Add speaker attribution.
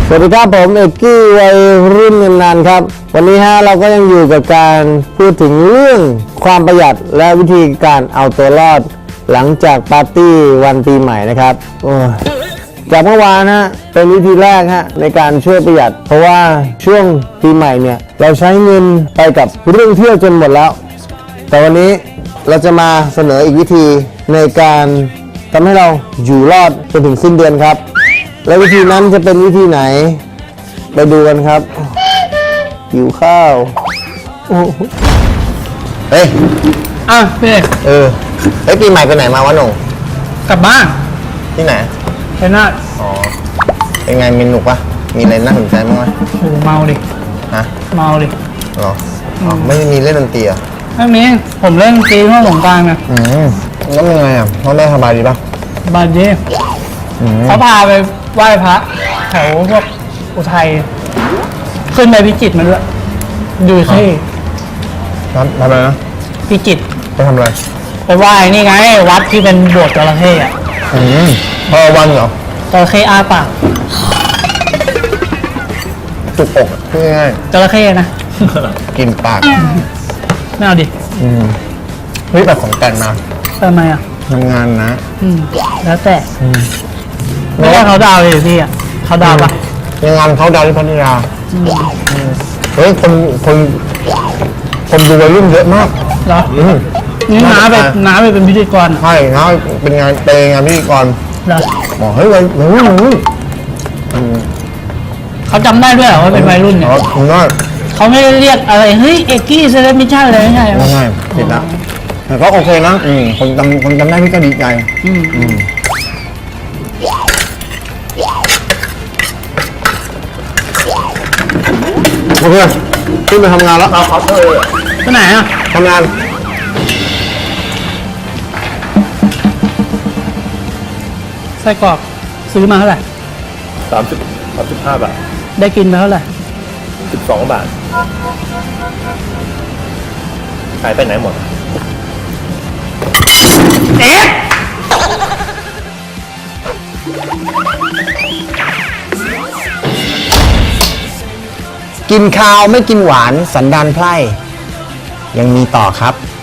Speaker 1: สวัสดีครับผมเอกกี้วัยรุ่นนานๆครับวันนี้เราก็ยังอยู่กับการพูดถึงเรื่องความประหยัดและวิธีการเอาตัวรอดหลังจากปาร์ตี้วันปีใหม่นะครับจากเมื่อวานเป็นวิธีแรกในการช่วยประหยัดเพราะว่าช่วงปีใหม่เนี่ยเราใช้เงินไปกับเรื่องเที่ยวจนหมดแล้วแต่วันนี้เราจะมาเสนออีกวิธีในการทำให้เราอยู่รอดจนถึงสิ้นเดือนครับและวิธีนั้นจะเป็นวิธีไหนไปดูกันครับหิวข้าวเฮ้ย
Speaker 2: พี่
Speaker 1: ปีใหม่ไปไหนมาวะหนุ่ม
Speaker 2: กลับบ้าน
Speaker 1: ที่ไหน
Speaker 2: ชัยนาท
Speaker 1: เป็นไงมีหนุกปะมีอะไรน่าสนใจบ้างไหม
Speaker 2: โอ้เมาดิเมาดิ
Speaker 1: หรอไม่มีเล่นดนตรีอ่ะ
Speaker 2: ไม่มีผมเล่นดนตรีช่วงสงกรานต์นะ
Speaker 1: แล้วเป็นไงพ่อแม่สบายดีปะ
Speaker 2: สบายดีเขาพาไปไหว้พระแถวพวกอุทัยขึ้นไปพิจิตรมาด้วยดูที่
Speaker 1: ทำอะไรนะ
Speaker 2: พิจิตร
Speaker 1: ไปทำอะไร
Speaker 2: ไปไหว้นี่ไงวัดที่เป็นโบสถ์จระเข้
Speaker 1: พอวันเหรอ
Speaker 2: จระเข้อาปาก
Speaker 1: จุกอกง่าย
Speaker 2: จระเข้นะ
Speaker 1: กินปาก
Speaker 2: ไม่เอาดิ
Speaker 1: เฮ้ยแบบของแต่งมา
Speaker 2: ทำไม
Speaker 1: ทำงานนะ
Speaker 2: แล้วแต่ไม่ว่าเขาดาวเลยพี่เขาดาวปะ
Speaker 1: งานเขาดาวที่พัทยาเฮ้ยคนดูวัยรุ่นเยอะมาก
Speaker 2: เหรอนี่น้าไปเป็นพิธีกร
Speaker 1: ใช่น้าเป็นงานพิธีกร
Speaker 2: เหรอ
Speaker 1: บอกเฮ้ยวัยรุ่น
Speaker 2: เขาจำได้ด้วยเหรอว่าเป็นวัยรุ่นเนี่ยเขาไม่ได้เรียกอะไรเฮ้ยเอกกี้เซเลบมิชชั่นเลยไม่ใช่
Speaker 1: ผิดละแต่ก็โอเคนะคนจำได้พี่ก็ดีใจโอเคขึ้นไปทำงานแล้ว
Speaker 2: ไปไหน
Speaker 1: ทำงาน
Speaker 2: ไส้กรอกซื้อมาเท่าไหร่
Speaker 3: 35 บาท
Speaker 2: ได้กินมาเท่าไหร่
Speaker 3: 12 บาทขายไปไหนหมด
Speaker 1: กินข้าวไม่กินหวานสันดานไพร่ยังมีต่อครับ